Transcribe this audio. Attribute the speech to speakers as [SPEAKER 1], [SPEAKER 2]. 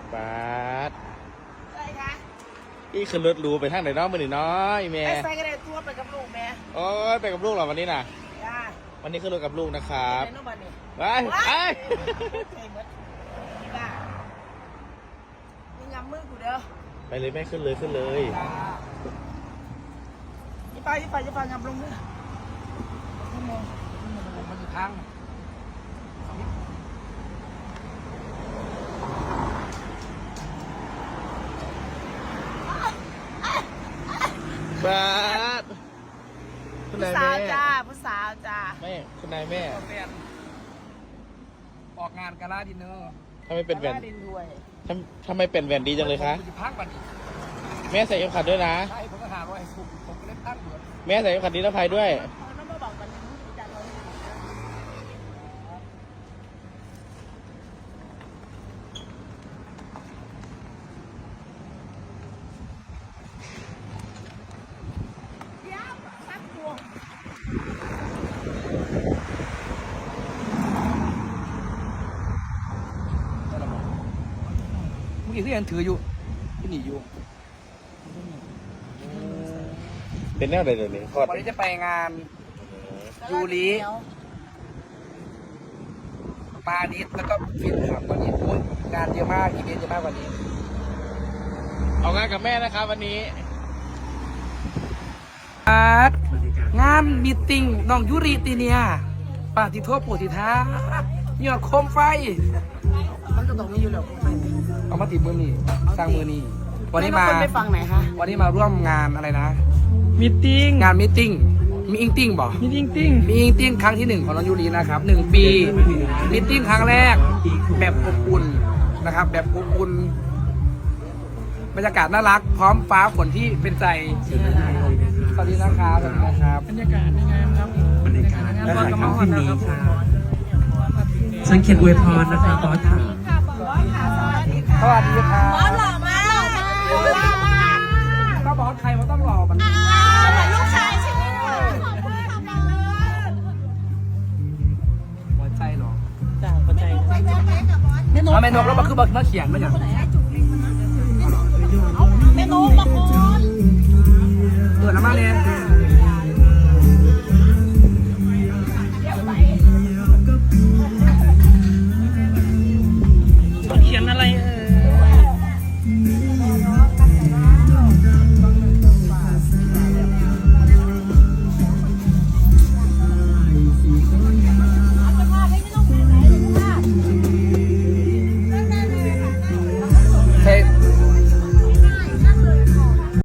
[SPEAKER 1] บาส
[SPEAKER 2] ใช่คะ
[SPEAKER 1] อีขึ้นรถหรูไปทางไหนน้องมือหนึ่งน้อยแม่
[SPEAKER 2] ไอ้ใส่กระเด็นตัวไปกับลูกแม่
[SPEAKER 1] โอ้ยไปกับลูกเหรอวันนี้น่ะ
[SPEAKER 2] จ้า
[SPEAKER 1] วันนี้ขึ้นรถกับลูกนะครับ
[SPEAKER 2] ไอ้น้องบันนี่
[SPEAKER 1] ไปไป
[SPEAKER 2] ใช่หมดจ้ามีงำมือกูเด้อ
[SPEAKER 1] ไปเลยแม่ขึ้นเลยขึ้นเลย
[SPEAKER 2] จ้ายี่ไปงำลงมือมันอยู่ทาง
[SPEAKER 1] บาสคุณ
[SPEAKER 2] ผู้
[SPEAKER 1] นาย
[SPEAKER 2] สาว
[SPEAKER 1] แม่
[SPEAKER 2] จ้าผู้สาวจ้า
[SPEAKER 1] แม่คุณนายแม่
[SPEAKER 3] ออกงานกาลาดินเนอร์
[SPEAKER 1] ทำไมเป็นแหวน
[SPEAKER 2] ดินด้วย
[SPEAKER 1] ทำไมเป็นแหวนดีจังเลยคะ
[SPEAKER 3] ผมอยู่พักบันนี้
[SPEAKER 1] แม่ใส่เข็มขัดด้วยนะ
[SPEAKER 3] ใช่ผมก็หาว่าไอ้ผมก็เล่นตั้งเบิด
[SPEAKER 1] แม่ใส่เข็มขัดนิรภัยด้วย
[SPEAKER 2] เขาต้องมาบอกกันจันเราเดี๋ยวสักตัว
[SPEAKER 3] เมื่อกี้ที่ยังถืออยู่ที่หนีอยู่
[SPEAKER 1] เป็นแนวใดเดี๋ยวนี้คลอด
[SPEAKER 3] วันนี้จะไปงานยูริปานิดแล้วก็ฟินครับวันนี้โอ้ยงานเยอะมากอีเวนต์เยอะมากวันนี้
[SPEAKER 1] เอางานกับแม่นะครับวันนี้
[SPEAKER 3] งานมีตติ้งน้องยูริตีเนียปาติโทษปูติท้ายอดโคมไฟ
[SPEAKER 2] มันก็ต้องมีอยู่แล้ว
[SPEAKER 3] เอามาติดมือนี่สร้างมือนี่วันนี้มา
[SPEAKER 2] คนไปฟังไหนคะ
[SPEAKER 3] วันนี้มาร่วมงานอะไรนะ
[SPEAKER 4] มีติ้ง
[SPEAKER 3] งานมีตติ้งมีอิงติ้งบ่
[SPEAKER 4] มีติ้งติ้ง
[SPEAKER 3] มีอิงติ้งครั้งที่ 1ของน้องยูรีนะครับ1 ปีมีตติ้งครั้งแรกแบบอบอุ่นนะครับ แบบอบอุ่นบรรยากาศน่ารัก พร้อมฟ้าฝนที่เป็นใจสวัสดีนะครับสวัสดีนะครับ
[SPEAKER 4] บรรยากาศยังไงครับบรรยากาศงานบอลกระมอนนะครับ
[SPEAKER 5] สังเกตอวยพรนะคะบอสค่ะ
[SPEAKER 3] สวัสดีครับ
[SPEAKER 2] หล่อมากหล่อมากหล่อมาก
[SPEAKER 3] ก็บอกว่าใครมันต้องหล่อมัน
[SPEAKER 2] เหมือนลูกชายใช่ไหมขอบคุณค่ะ
[SPEAKER 3] หัวใจหรอ
[SPEAKER 4] จ้าเข้าใจ
[SPEAKER 3] เอาเมนูแล้วมาคือมาเขียนมาอย่าง
[SPEAKER 2] เมนูมาคุณ
[SPEAKER 3] เปิดน้ำมาเลย